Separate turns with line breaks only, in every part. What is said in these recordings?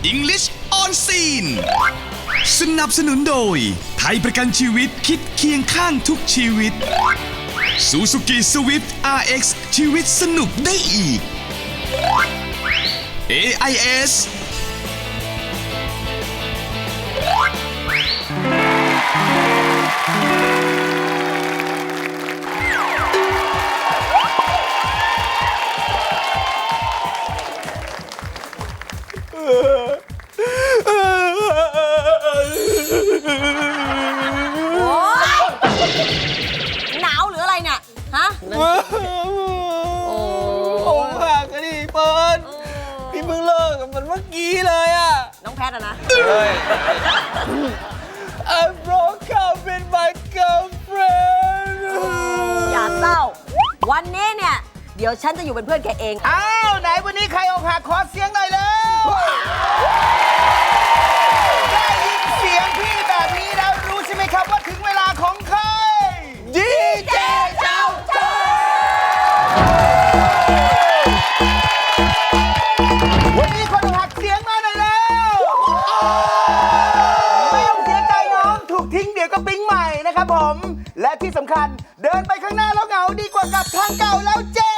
English on Scene สนับสนุนโดยไทยประกันชีวิตคิดเคียงข้างทุกชีวิต Suzuki Swift RX ชีวิตสนุกได้อีก AIS
หนาวหรืออะไรเนี่ย ฮะ
ผมหักอะดิเปิดพี่เพิ่งเลิกกับมันเมื่อกี้เลยอะ
น้องแพทอะนะ
I broke up with my girlfriend
อย่าเศร้า วันนี้เนี่ย เดี๋ยวฉันจะอยู่เป็นเพื่อนแกเอง
อ้าวไหนวันนี้ใครอกหักขอเสียงหน่อยแล้วได้ยินเสียงพี่แบบนี้แล้วรู้ใช่ไหมครับว่าถึงเวลาของใครดีเจเจ้าจ้าวันนี้คนหักเสียงมาหน่อยแล้วไม่ต้องเสียใจน้องถูกทิ้งเดี๋ยวก็ปิ๊งใหม่นะครับผม และที่สำคัญเดินไปข้างหน้าแล้วเหงาดีกว่ากลับทางเก่าแล้วเจ๊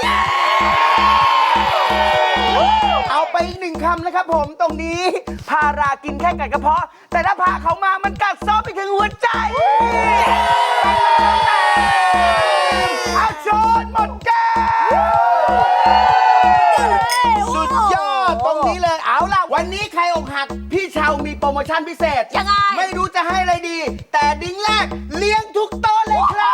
เอาไปอีกหนึ่งคำนะครับผมตรงนี้พารากินแค่กัดกระเพาะ แต่ถ้าพาเขามามันกัดซ้อไปถึงหัวใจอาชนหมดแก้วสุดยอดตรงนี้เลยเอาล่ะวันนี้ใครอกหักพี่เชามีโปรโมชั่นพิเศษ
ยังไง
ไม่รู้จะให้อะไรดี แต่ดิ้งแรกเลี้ยงทุกโต๊ะเลยครับ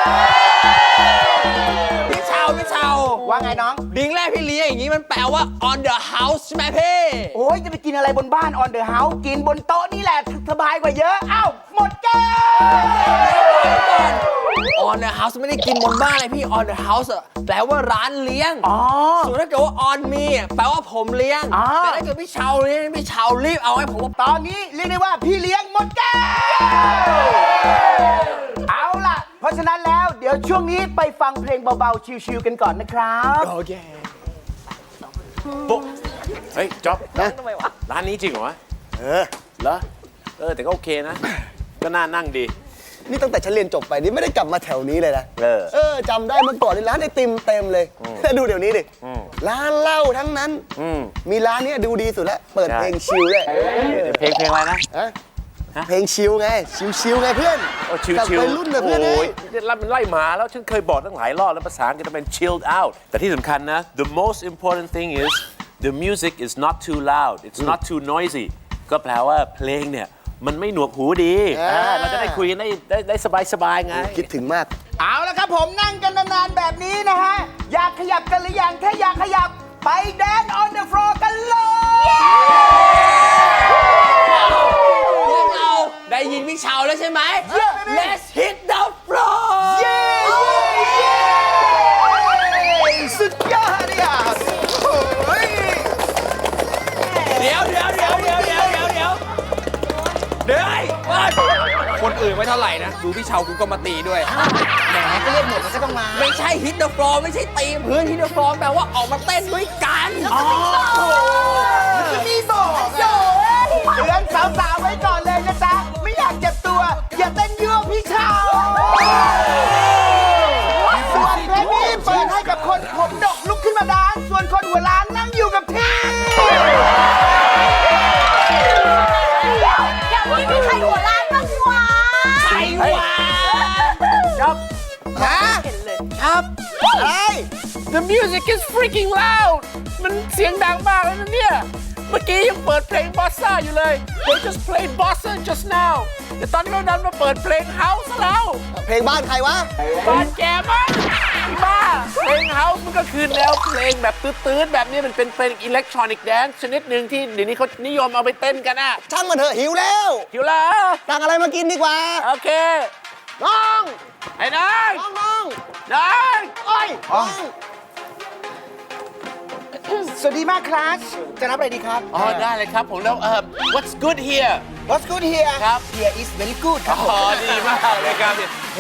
พี่เชาว่าไงน้อง
ดิ้งแรกพี่เลี้ยงอย่างนี้มันแปลว่า on the house ใช่ไหมพี่
โอ้ยจะไปกินอะไรบนบ้าน on the house กินบนโต๊ะนี่แหละสบายกว่าเยอะเอ้าหมดแก้ว
on the house ไม่ได้กินบนบ้านเลยพี่ on the house อะแปลว่าร้านเลี้ยง
อ๋อ
ส่วนถ้าเกิดว่า on me อะแปลว่าผมเลี้ยง
อ๋อ
แต่ถ้าเกิดพี่เชาเลี้ยงพี่เชารีบเอาให้ผม
ตอนนี้เรียกได้ว่าพี่เลี้ยงหมดแก้วเอาล่ะ เพราะฉะนั้นแล้วเดี๋ยวช่วงนี้ไปฟังเพลงเบาๆชิลๆกันก่อนนะครับ
โอเค
ปุ๊บเฮ้ยจ๊อบร้านนี้จริงเหรอวะเหรอแต่ก็โอเคนะ ก็น่านั่งดี
นี่ตั้งแต่ฉันเรียนจบไปนี่ไม่ได้กลับมาแถวนี้เลยนะ จำได้เมื่อก่อนนี่ร้านไอติมเต็มเลยแต่ดูเดี๋ยวนี้ดิร้านเหล้าทั้งนั้น มีร้านเนี้ยดูดีสุดแล้ว เปิด
ใช่
เพลงชิลเลย
เพลงอะไรนะ
เพลงชิลไง ชิลไงเพื่อน
โอ้ชิล
กับ
ชิล
วัยรุ่นแบบเพื่อน
โอ้
เอ้
ย
ย
มันไล่หมาแล้วฉันเคยบอกตั้งหลายรอบแล้วภาษาอังกฤษมันเป็น chilled out แต่ที่สำคัญนะ the most important thing is the music is not too loud it's not too noisy ก็แปลว่าเพลงเนี่ยมันไม่หนวกหูดีเราจะได้คุยกันได้สบายๆไง
คิดถึงมาก
เอาละครับผมนั่งกันนานๆแบบนี้นะฮะ อยากขยับกันหรือยังถ้าอยากขยับไป dance on the floor กันเลย
พวกเราได้ยินพี่เชาแล้วใช่ไหม Let's hit the floor
เย้สุดยอดเลยอ่ะโอ้ย
เดี๋ยวเฮ้ยคนอื่นไม่เท่าไหร่นะ ดูพี่เชากูก็มาตีด้วย
แหมก็เล่นหมดแล้วก็ต้องมา
ไม่ใช่ hit the floor ไม่ใช่ตีพื้น hit the floor แปลว่าออกมาเต้นด้วยกัน
จะมีบอกเตือนสาวๆไว้ก่อนเลยนะจ๊ะ ไม่อยากเจ็บตัว อย่าเต้นยั่วพี่ชาวส่วนเพลงนี้เปิดให้กับคนผมดกลุกขึ้นมาดานส่วนคนหัวล้านนั่งอยู่กับที่
อย่างนี้มีใครหัวล้านบ้างวะ
ใครวะ
ครับ
ครับ
อะไร
The music is freaking loud มันเสียงดังมากเลยนะเนี่ย เมื่อกี้ยังเปิดเพลงบอสซ่าอยู่เลย They just played bossa just now แต่ตอนนี้เราดันมาเปิดเพลงเฮาส์แล้ว
เพลงบ้านใครวะ
บ้านแกมั้งบ้า เพลงเฮาส์มันก็คือแนวเพลงแบบตื้นๆแบบนี้มันเป็นเพลงอิเล็กทรอนิกส์แดนซ์ชนิดหนึ่งที่เดี๋ยวนี้เขานิยมเอาไปเต้นกันอะ
ช่างมันเถอะหิวแล้ว
หิวแล้ว
สั่งอะไรมากินดีกว่า
โอเค
น้อง
ไอ้นาย
น้อง
นาย
โอ้ยน้อง
สวัสดีมากคลาสจะรับอะไรดีครับ
อ๋อได้เลยครับผมแล้วwhat's good here
What's good here
ครับ
Here is very good ครับผม
อ๋อดีมากเลยครับเฮ้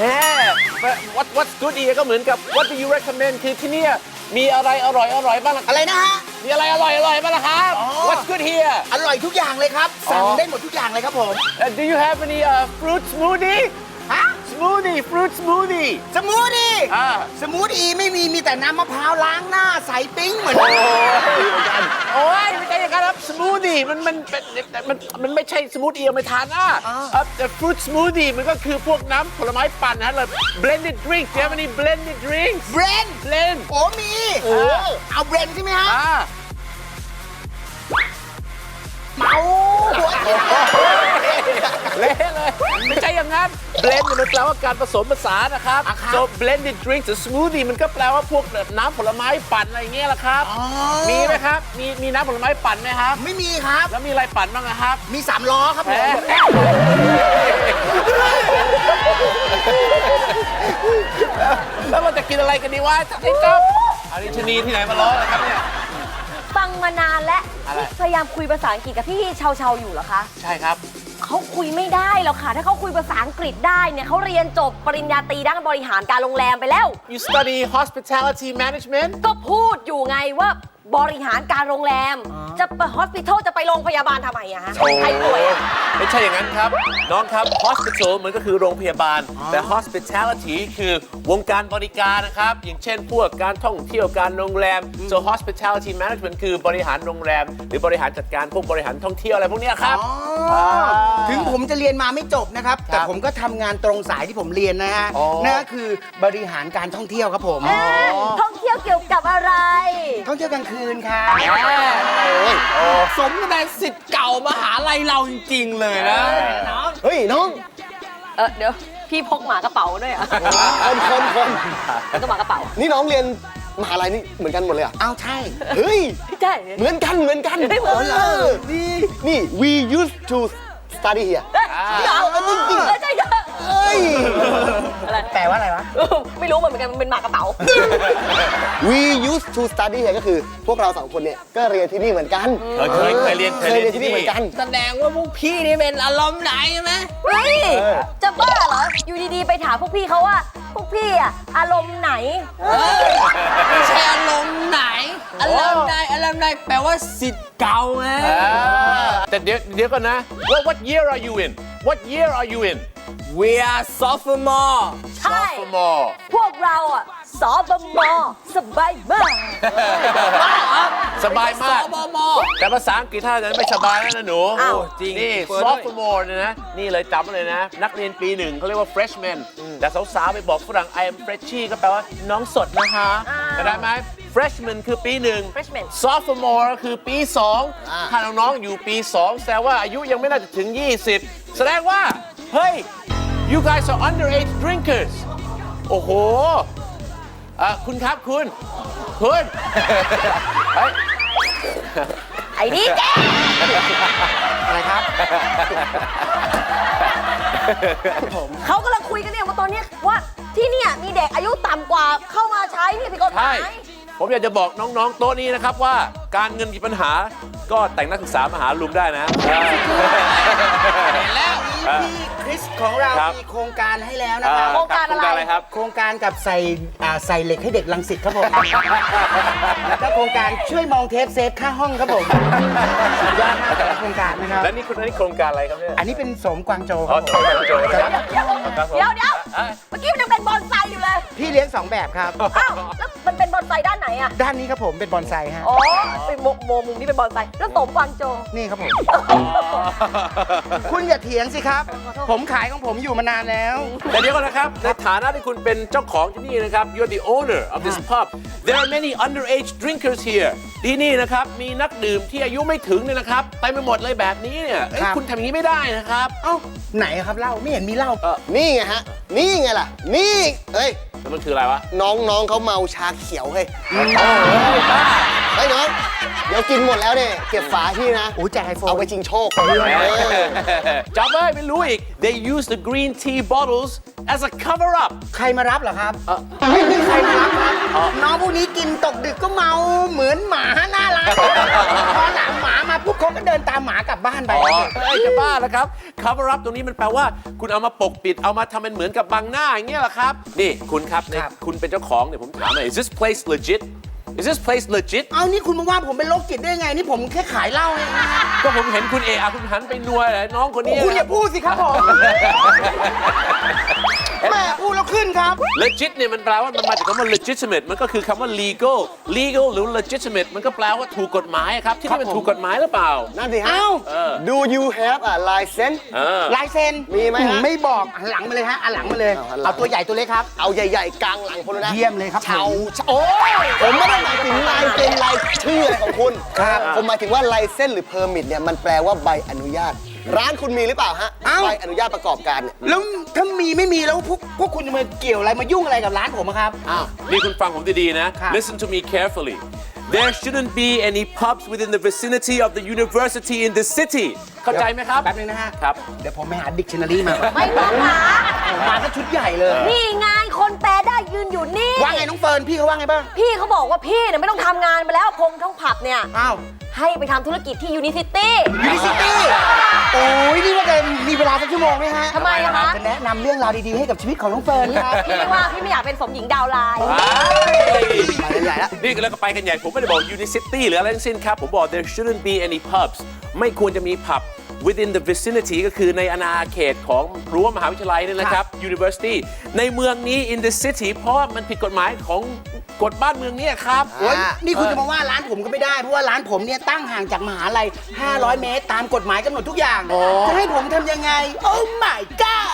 what's good here ก็เหมือนกับ what do you recommend คือที่เนี่ยมีอะไรอร่อยบ้างล่ะ
อะไรนะฮะ
มีอะไรอร่อยบ้างล่ะครับ What's good here
อร่อยทุกอย่างเลยครับ สั่งได้หมดทุกอย่างเลยครับผม
Do you have any fruit smoothie
ฮะ
smoothie fruit smoothie
สมูทตี้
อ่า
สมูทอีไม่มีแต่น้ำมะพร้าวล้างหน้าใสปิ้งเหมือน
โอ้ยไม่ใช่อย่างนั้นครับสมูทตี้มันไม่ใช่สมูทตี้เอาไปทานแต่ฟรุตสมูทตี้มันก็คือพวกน้ำผลไม้ปั่นนะเลย blended drinks do you have any blended drinks
เบรน
blend
โอ้มีเอาเบรนใช่ไหมฮะ เมาหัว
เละเลยไม่ใช่อย่างนั้น blend เนี่ยมันแปลว่าการผสมผสานนะครับ so blended drinks หรือ smoothie มันก็แปลว่าพวกน้ำผลไม้ปั่นอะไรอย่างเงี้ยแหละครับ มีไหมครับ มีน้ำผลไม้ปั่นไหมครับ
ไม่มีครับ
แล้วมีอะไรปั่นบ้างนะครับ
มี3 ล้อครับผม
แล้วเราจะกินอะไรกันดีวะไอ้จ๊อบอาริชนีที่ไหนมาล้อนะครับเนี่ย
ฟังมานานและ
อะไร
พยายามคุยภาษาอังกฤษกับพี่เชาๆอยู่เหรอคะ
ใช่ครับ
เขาคุยไม่ได้หรอกค่ะ ถ้าเขาคุยภาษาอังกฤษได้เนี่ยเขาเรียนจบปริญญาตรีด้านบริหารการโรงแรมไปแล้ว
You study hospitality management
ก็พูดอยู่ไงว่าบริหารการโรงแรม จะไปฮอสพิทอลจะไปโรงพยาบาลทำไมอะฮะใครป่วยอะ
ไม่ใช่อย่างนั้นครับ น้องครับ hospital มันก็คือโรงพยาบาล แต่ hospitality คือวงการบริการนะครับ อย่างเช่นพวกการท่องเที่ยวการโรงแรม so hospitality management คือบริหารโรงแรม หรือบริหารจัดการพวกบริหารท่องเที่ยวอะไรพวกเนี้ยครับ
ถึงผมจะเรียนมาไม่จบนะครับ แต่ผมก็ทำงานตรงสายที่ผมเรียนนะฮะ นั่นก็คือบริหารการท่องเที่ยวครับผม
ท่องเที่ยวเกี่ยวกับอะไร
ท่องเที่ยวกลางคืนครับ
สมกับเป็นสิทธิ์เก่ามหาลัยเราจริง ๆ เลยนะ
เฮ้ย น้อง
เดี๋ยวพี่พกหมากระเป๋าด้วยเหรอ่ะ
คน
แล้วก็หมากระเป๋า
นี่น้องเรียนมหาลัยนี่เหมือนกันหมดเลยเหรอ่ะ
เอาใช่
เฮ้ย
ใช่
เหมือนกัน
เฮ้ยเหมือนกันเหรอ
นี่ we used to study here
จริงๆใช่
เฮ้ย
อะไร
แปลว่าอะไรวะ
ไม่รู้เหมือนกันมันเป็นหมากระเป๋า
we used to study here ก็คือพวกเราสองคนเนี่ยก็เรียนที่นี่เหมือนกัน
เคยเรียน
เคยเรียนที่นี่เหมือนกัน
แสดงว่าพวกพี่นี่เป็นอารมณ์ไหนใช่ไหม
เฮ้ย จะบ้าเหรอ อยู่ดีๆ ไปถามพวกพี่เขาว่า พวกพี่อะอารมณ์ไหน
ไม่ใช่อารมณ์ไหน อารมณ์ใดแปลว่าสิทธิ์เก่าไง
แต่เดี๋ยวก่อนนะ what year are you in what year are you in
We are sophomore
ใช่
sophomore
พวกเราอะสบมสบายมาก
สบายมาก
สบม
แต่ภาษาอังกฤษถ้าจะไม่สบายแล้วนะหนู
อ้าว
จริงนี่ sophomore เนี่ยนะ นี่เลยจำไว้เลยนะ นักเรียนปีหนึ่งเขาเรียกว่า freshman แต่สาวๆไปบอกฝรั่ง I am freshie ก็แปลว่าน้องสดนะคะเข้าใจไหม freshman คือปีหนึ่ง
freshman
sophomore คือปี2ถ้าน้องๆอยู่ปี 2 แสดงว่าอายุยังไม่น่าจะถึง 20 แสดงว่า เฮ้ย you guys are underage drinkers โอ้โหคุณครับคุณ เฮ้ย
ไอ้นี่แก
อะไรครับ
เขากำลังคุยกันเนี่ยว่าตอนเนี้ยว่าที่เนี่ยมีเด็กอายุต่ำกว่าเข้ามาใช้เนี่ยผิดกฎห
ใช่
มาย
ผมอยากจะบอกน้องๆ โต๊ะนี้นะครับว่าการเงินมีปัญหาก็แต่งนักศึกษามาหาลุงได้นะ
เห็นแล้ว
พี่คริสของเรา
ครับ
มีโครงการให้แล้วนะครับ
โครงการอะไร
ครับ
โครงการกับใส่เหล็กให้เด็กลังสิตครับผม แล้วก็โครงการช่วยมองเทปเซฟค่าห้องครับผมสุดยอดมากแต่ละโครงการนะครับ
และนี่โครงการอะไรครับเนี่ย
อันนี้เป็นสมกวางโจค
อ๋อ
รับ
ส
ผม
มัยโจนะครับ
เดี๋ยวเมื่อกี้มันยังเป็นบอนไซอยู่เลย
พี่เลี้ยง 2 แบบครับ
อ้าวแล้วมันเป็นบอนไซด้านไหนอะ
ด้านนี้ครับผมเป็นบอนไซฮะ
อ๋อเป็นโมมุมนี่เป็นบอนไซแล้วสมกวางโจ
นี่ครับผม คุณอย่าเถียงสิครับ ผมขายของผมอยู่มานานแล้ว
แต่เดี๋ยวก่อนนะครับ ในฐานะที่คุณเป็นเจ้าของที่นี่นะครับ you're the owner of this pub there are many underage drinkers here ที่นี่นะครับ มีนักดื่มที่อายุไม่ถึงเนี่ยนะครับเต็มไปหมดเลยแบบนี้เนี่ยเอ้ย
ครับ
คุณทำอย่างนี้ไม่ได้นะครับ
เอ้าไหนอะครับเหล้าไม่เห็นมีเหล้า
นี่ไงฮะ นี่ไงล่ะ นี่เฮ้ย
แล้วมันคืออะไรวะ
น้องเขาเมาชาเขียวเฮ้ยเฮ้ยน้อง เดี๋ยวกินหมดแล้วเนี่ยเก็บฝาที่นะ
โอ้ยแจกไอโฟน
เอาไปชิงโชค
จำไว้ไม่รู้อีก they use the green tea bottles as a cover up
ใครมารับเหรอครับไม่มีใครมารับครับน้องพวกนี้กินตกดึกก็เมาเหมือนหมาหน้าร้านพอหลังหมามาปุ๊บเขาก็เดินตามหมากลับบ้านไป
เฮ้ยจะบ้าแล้วครับ cover up ตรงนี้มันแปลว่า คุณเอามาปกปิดเอามาทำเป็นเหมือนกับบังหน้าอย่างเงี้ยเหรอครับ นี่คุณครับในคุณเป็นเจ้าของเนี่ยผมถามหน่อย is this place legit
Is this place legit
เอานี่คุณมาว่าผมเป็นโรคจิตได้ไง นี่ผมแค่ขายเหล้าเองนะ
ก็ผมเห็นคุณคุณหันไปนัวน้องคนนี้
คุณอย่าพูดสิครับผมแม่พูดแล้วขึ้นครับ
legit เนี่ยมันแปลว่ามันมาจากคำว่า legitimate มันก็คือคำว่า legal หรือ legitimate มันก็แปลว่าถูกกฎหมายครับที่นี่มันถูกกฎหมายหรือเปล่า
นั่นสิฮะ
เอ้า
Do you have a license
ลายเซ็น
มีไหมฮะ
ไม่บอกหันหลังมาเลยฮะหันหลังมาเลย เอาตัวใหญ่ตัวเล็กครับ
เอาใหญ่ๆกลางหลังคนเลยนะ
เยี่ยมเลยครับ
เฉาโอ้ยผมไม่ได้หมายถึงลายเซ็นลายชื่ออะไรของคุณครับผมหมายถึงว่าลายเซ็นหรือเพอร์มิทเนี่ยมันแปลว่าใบอนุญาต ร้านคุณมีหรือเปล่าฮะใบอนุญาตประกอบการเนี่ย
แล้วถ้ามีไม่มีแล้วพวกคุณจะมาเกี่ยวอะไรมายุ่งอะไรกับร้านผมอะครับ
นี่คุณฟังผมดีๆนะ
ครับ
Listen to me carefully There shouldn't be any pubs within the vicinity of the university in the city เข้าใจไหมครับ
แป๊บนึงนะฮะ
ครับ
เดี๋ยวผมไปหาดิกชันนารีมาก่อน
ไม่ต้องหา
มาก็ชุดใหญ่เลย
นี่ไงคนแปลได้ยืนอยู่นี่
ว่าไงน้องเฟิร์นพี่เขาว่าไงบ้าง
พี่เขาบอกว่าพี่เนี่ยไม่ต้องทำงานไปแล้วพงทั้งผับเนี่ย
อ้าว
ให้ไปทำธุรกิจที่ยูนิซิตี้
ยูนิซิตี้โอ้ยนี่ว่าจะมีเวลาสักชั่วโมงไหมฮะ
ทำไมอะคะ
จะแนะนำเรื่องราวดีๆให้กับชีวิตของน้องเฟิร์นครับ
พี่ว่าพี่ไม่อยากเป็นสมหญิงดาวไลน์
ไปใหญ่แล้ว
นี่แล้วก็ไปกันใหญ่ ผมไม่ได้บอก Unicity หรืออะไรทั้งสิ้นครับ ผมบอก there shouldn't be any pubs ไม่ควรจะมีผับ within the vicinity ก็คือในอาณาเขตของรั้วมหาวิทยาลัยนี่นะครับ University ในเมืองนี้ in the city เพราะว่ามันผิดกฎหมายของกฎบ้านเมืองเนี่ยครับ
โอ้ยนี่คุณจะมาว่าร้านผมก็ไม่ได้ เพราะว่าร้านผมเนี่ยตั้งห่างจากมหาลัย 500 เมตร ตามกฎหมายกำหนดทุกอย่าง จะให้ผมทำยังไง โอ้ my god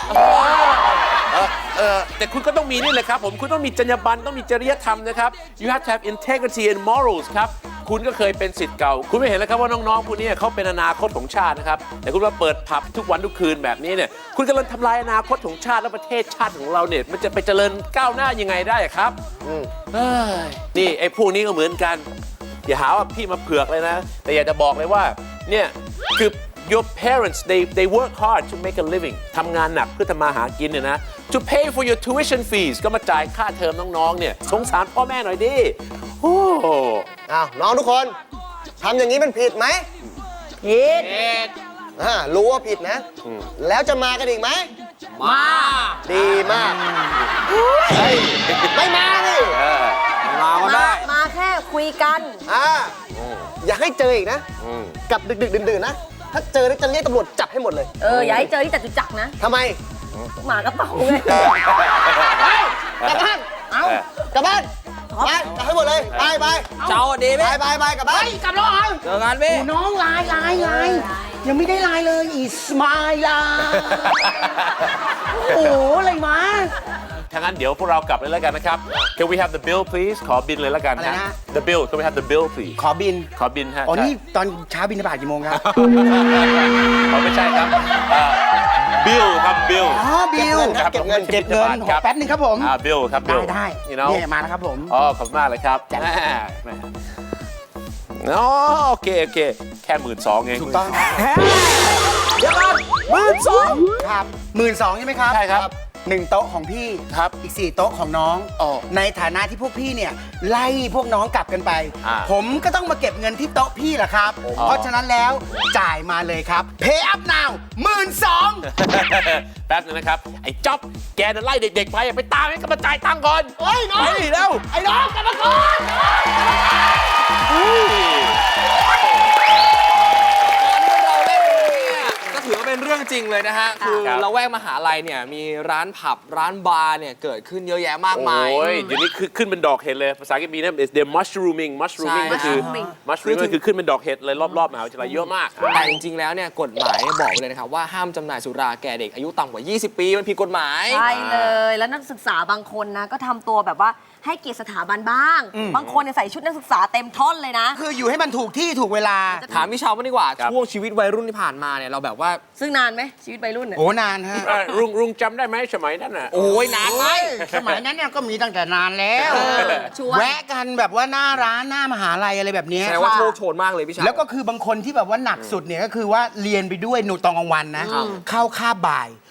แต่คุณก็ต้องมีนี่เลยครับผมคุณต้องมีจรรยาบรรณต้องมีจริยธรรมนะครับ you have to have integrity and morals ครับคุณก็เคยเป็นศิษย์เก่า คุณไม่เห็นแล้วครับว่าน้องๆพวกนี้เขาเป็นอนาคตของชาตินะครับแต่คุณมาเปิดผับทุกวันทุกคืนแบบนี้เนี่ยคุณกำลังทำลายอนาคตของชาติและประเทศชาติของเราเนี่ยมันจะไปเจริญก้าวหน้ายังไงได้ครับเอ้ยนี่ไอ้พวกนี้ก็เหมือนกันอย่าหาว่าพี่มาเผือกเลยนะแต่อยากจะบอกเลยว่าเนี่ยคือ your parents they work hard to make a living ทำงานหนักเพื่อทำมาหากินเนี่ยนะ to pay for your tuition fees ก็มาจ่ายค่าเทอมน้องๆเนี่ยสงสารพ่อแม่หน่อยดิโอ้
อ้าวน้องทุกคนทำอย่างนี้มันผิดไหม
ผิด
รู้ว่าผิดนะ แล้วจะมากันอีกไหม
มา
ดีมากเฮ้ยไม่มานี่
มาก็ได้
มาแค่คุยกัน
อยากให้เจออีกนะ กับดึกๆดื่นๆนะ ถ้าเจอแล้วจะเรียกตำรวจจับให้หมดเลย
อย่าให้เจอที่จตุจักรนะ
ทำไม
หมากระเป๋าไง
กลับบ้าน เอากลับบ้านไปกลับให้หมดเลย ไปไป
เจ้าดีไหม
ไปกลับบ้าน
กลับแล้วเหรอ
เจอกันพี่
โอ้น้องไลน์ยังไม่ได้ไลน์เลยอีสมายล่ะโอ้อะไรมา
ถ้างั้นเดี๋ยวพวกเรากลับเลยแล้วกันนะครับ Can we have the bill please ขอบินเลยแล้วกัน
อะไรนะ
The bill Can we have the bill please
ขอบิน
ขอบินฮะ
อ๋อนี่ตอนเช้าบินทบาทกี่โมงครับ
อ๋อไม่ใช่ครับบิลครับบิล
อ๋อบิล
ครับ
เก็บเงิน
เก็บเงิน
ครับ
แป๊บนึงครับผม
บิลครับบิล
ได้
you know
เนี่ยมาแล้วครับผม
อ๋อขอบคุณมากเลยครับแหมอ๋อโอเคแค่12,000เอง
ถูกต้องเดี๋ยวก่อน12,000ครับ12,000ใช่ไหมครับ
ใช่ครับ
1 โต๊ะของพี่
ครับ
อีก 4 โต๊ะของน้อง
อ๋อ
ในฐานะที่พวกพี่เนี่ยไล่พวกน้องกลับกันไป ผมก็ต้องมาเก็บเงินที่โต๊ะพี่แหละครับ เพราะฉะนั้นแล้วจ่ายมาเลยครับ Pay up now 12,000
แป๊บนึงนะครับ ไอ้จ๊อบแกน่ะไล่เด็กๆไปตามให้กลับมาจ่ายตังค์ก่อนเฮ้ยน้องไปเร็ว
ไอ้น้องกลับมาก่อน
เราเล่นเนี่ยก็ถือว่าเป็นเรื่องจริงเลยนะฮะ คือ
ครับ
เราแวกมหาลัยเนี่ยมีร้านผับร้านบาร์เนี่ยเกิดขึ้นเยอะแยะมากมาย
โอ้ยเดี๋ยวนี้ขึ้นเป็นดอกเห็ดเลย ภาษาอังกฤษมีนะ they're mushrooming ก็คือ mushrooming ก็คือขึ้นเป็นดอกเห็ดเลยรอบๆมหาวิทยาลัยเยอะมาก
แต่จริงๆ แล้วเนี่ยกฎหมายบอกไว้เลยนะครับว่าห้ามจำหน่ายสุราแก่เด็กอายุต่ำกว่า 20 ปี มันผิดกฎหมาย
ใช่เลย แล้วนักศึกษาบางคนนะก็ทำตัวแบบว่าให้เกียรติสถาบันบ้าง บางคนเนี่ยใส่ชุดนักศึกษาเต็มท่อนเลยนะ
คืออยู่ให้มันถูกที่ถูกเวลา
ถามพี่เชาวบ้างดีกว่า
ครับ
ช่วงชีวิตวัยรุ่นที่ผ่านมาเนี่ยเราแบบว่า
ซึ่งนานไหมชีวิตวัยรุ่นเนี่ย
โอ้นานฮะ
รุงจำได้ไหมสมัยนั้นน่ะ
โอ้ยนานไหม
สมัยนั้นเนี่ยก็มีตั้งแต่นานแล้ว
ชวน
แวะกันแบบว่าหน้าร้านหน้ามหาลัยอะไรแบบเนี้ย
แสดงว่าโชคโชนมากเลยพี่เชาว
แล้วก็คือบางคนที่แบบว่าหนักสุดเนี่ยก็คือว่าเรียนไปด้วยหนูตอนกลางวันนะ เข้าคาบบ่าย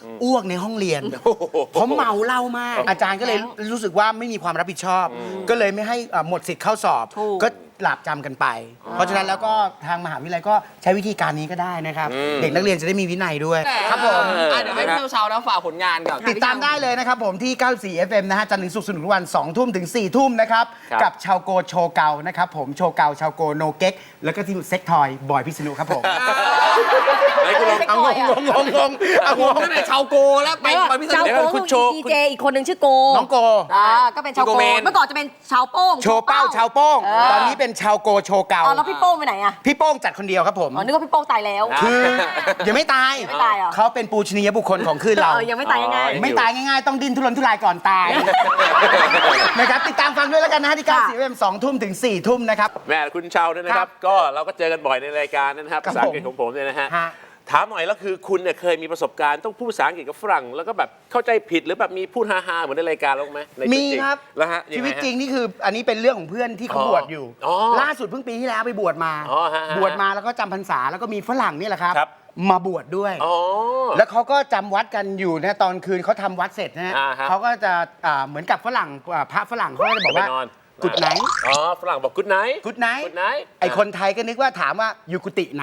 อ้วกในห้องเรียนผมเมาเหล้ามาก อาจารย์ก็เลยรู้สึกว่าไม่มีความรับผิดชอบ ก็เลยไม่ให้หมดสิทธิ์เข้าสอบ ก็หลาบจำกันไป เพราะฉะนั้นแล้วก็ทางมหาวิทยาลัยก็ใช้วิธีการนี้ก็ได้นะครับ เด็กนักเรียนจะได้มีวินัยด้วยครับผม
เดี๋ยวให้พี่เช้าๆนะฝากผลงานก่อน
ติดตามได้เลยนะครับผมที่ 94 FM นะฮะจันทร์ถึงศุกร์สนุกทุกวัน 2 ทุ่มถึง 4 ทุ่มนะครับ กับชาวโกโชว์เกานะครับผมโชว์เกาชาวโกโนเก๊กแล้วก็ที่เซ็กทอยบอยพิษณุครับผม เอางงเอางง
ตั้งแต่ชาวโกแล้วไปพิเศษ
ชาวโก
คุ
คือ
ณโชว์
ดีเจอีกคนหนึ่งชื่อโก
น้องโก
ก็เป็นชาวโก
โกเมน
เมื่อก่อนจะเป็นชาวโป้ง
โชว์เป้าชาวโป้ง ตอนนี้เป็นชาวโกโชว์เกา
แล้วพี่โป้งไปไหนอะ
พี่โป้งจัดคนเดียวครับผม
อ๋อนึกว่าพี่โป้งตายแล้ว
คือยังไม่ตาย
ยังไม่ตายเหรอ
เขาเป็นปูชนียบุคคลของคลื่นเรา
ยังไม่ตายง่าย
ไม่ตายง่ายๆ ต้องดิ้นทุรนทุรายก่อนตาย นะครับติดตามฟังด้วยแล้วกันนะฮะที่ 94 FM 2 ทุ่มถึง 4 ทุ่มนะครับ
แม่คุณเชาเนี่ยนะครับ ก็เราก็เจอกันบ่อยในรายการนะครับ
ครับ
ภาษาอังกฤษของผมเนี่ยนะฮะ
ฮะ
ถามหน่อยแล้วคือคุณเนี่ยเคยมีประสบการณ์ต้องพูดภาษาอังกฤษกับฝรั่ง แล้วก็แบบเข้าใจผิดหรือแบบมีพูดฮาๆเหมือนในรายการเราไหมในชีวิต
มี
จง
ครับ
แล้วฮะ
ชีวิต
ยังไงฮะ
จริงนี่คืออันนี้เป็นเรื่องของเพื่อนที่เขาบวชอยู่
อ๋อ
ล่าสุดเพิ่งปีที่แล้วไปบวชมา
อ๋อฮะ
บวชมาแล้วก็จำพรรษาแล้วก็มีฝรั่งนี่แหละครับ
ครับ
มาบวชด้วย
อ๋อ
แล้วเขาก็จำวัดกันอยู่นะตอนคืนเขาทำวัดเสร็จนะฮะ
ฮะ
เขาก็จะเหมือนกับฝรั่งพระฝรั่งเขาก็จะบอกว่า
ไปนอน
กุดไหน
อ๋อฝรั่งบอกกุดไน
กุดไหน
กุดไน
ไอคนไทยก็นึกว่าถามว่าอยู่กุฏิไหน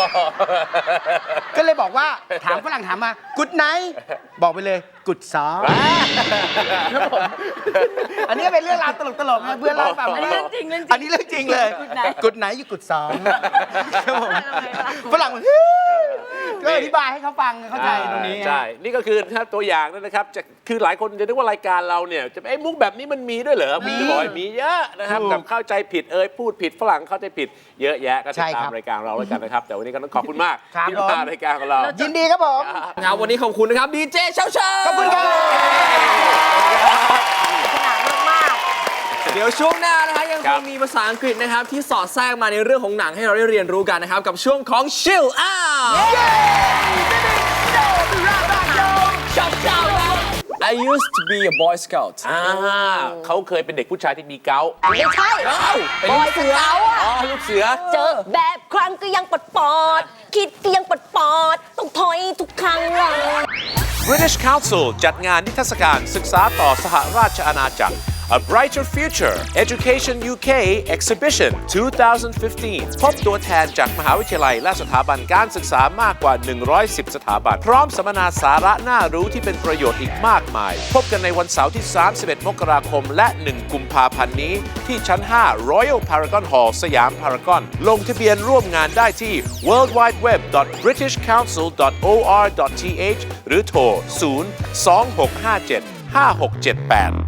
ก็เลยบอกว่าถามฝรั่งถามมากุดไหน บอกไปเลยกุดซอครับผมอันนี้เป็นเรื่องราวตลกๆนะเพื่อนเล่าให้ฟัง
อันนี้เรื่องจริงเรื่องจริง
อันนี้เรื่องจริงเลย
กุดไหน
กุดไหนอยู่กุดซอครับผมฝรั่งบอกก็อธิบายให้เขาฟังเข้าใจตรงนี้
ใช่ นี่ก็คือนะครับตัวอย่างนะครับจะคือหลายคนจะนึกว่ารายการเราเนี่ยจะไอ้มุกแบบนี้มันมีด้วยเหรอมีบ่อยมีเยอะนะครับกับเข้าใจผิดพูดผิดฝรั่งเข้าใจผิดเยอะแยะก็ติดตามรายการเราแล้วกันนะครับ แต่วันนี้ก็ต้องขอบคุณมากที่มารายการของเรา
ยินดีครับผม
ครับวันนี้ขอบคุณนะครับดีเจเช้าๆ
ขอบคุณครับ
ขนาดมาก
เดี๋ยวช่วงหน้านะคะยัง
ค
ครับ งมีภาษาอังกฤษนะครับที่สอดแทรกมาในเรื่องของหนังให้เราได้เรียนรู้กันนะครับกับช่วงของ Chill Out I used to be a Boy Scout
เขาเคยเป็นเด็กผู้ชายที่มีเกาต์
ๆไม่ใช่
เป็นลูกเสือ
อ๋อลูกเสือ
เจอแบบครั้งก็ยังปอดคิดก็ยังปอดต้องถอยทุกครั้งเลย
British Council จัดงานนิทรรศการศึกษาต่อสหราชอาณาจักร A Brighter Future Education UK Exhibition 2015 พบตัวแทนจากมหาวิทยาลัยและสถาบันการศึกษามากกว่า 110 สถาบัน พร้อมสัมมนาสาระน่ารู้ที่เป็นประโยชน์อีกมากมาย พบกันในวันเสาร์ที่ 31 มกราคมและ 1 กุมภาพันธ์นี้ ที่ชั้น 5 Royal Paragon Hall สยามพารากอนลงทะเบียนร่วมงานได้ที่ worldwideweb.britishcouncil.or.th หรือโทร 026575678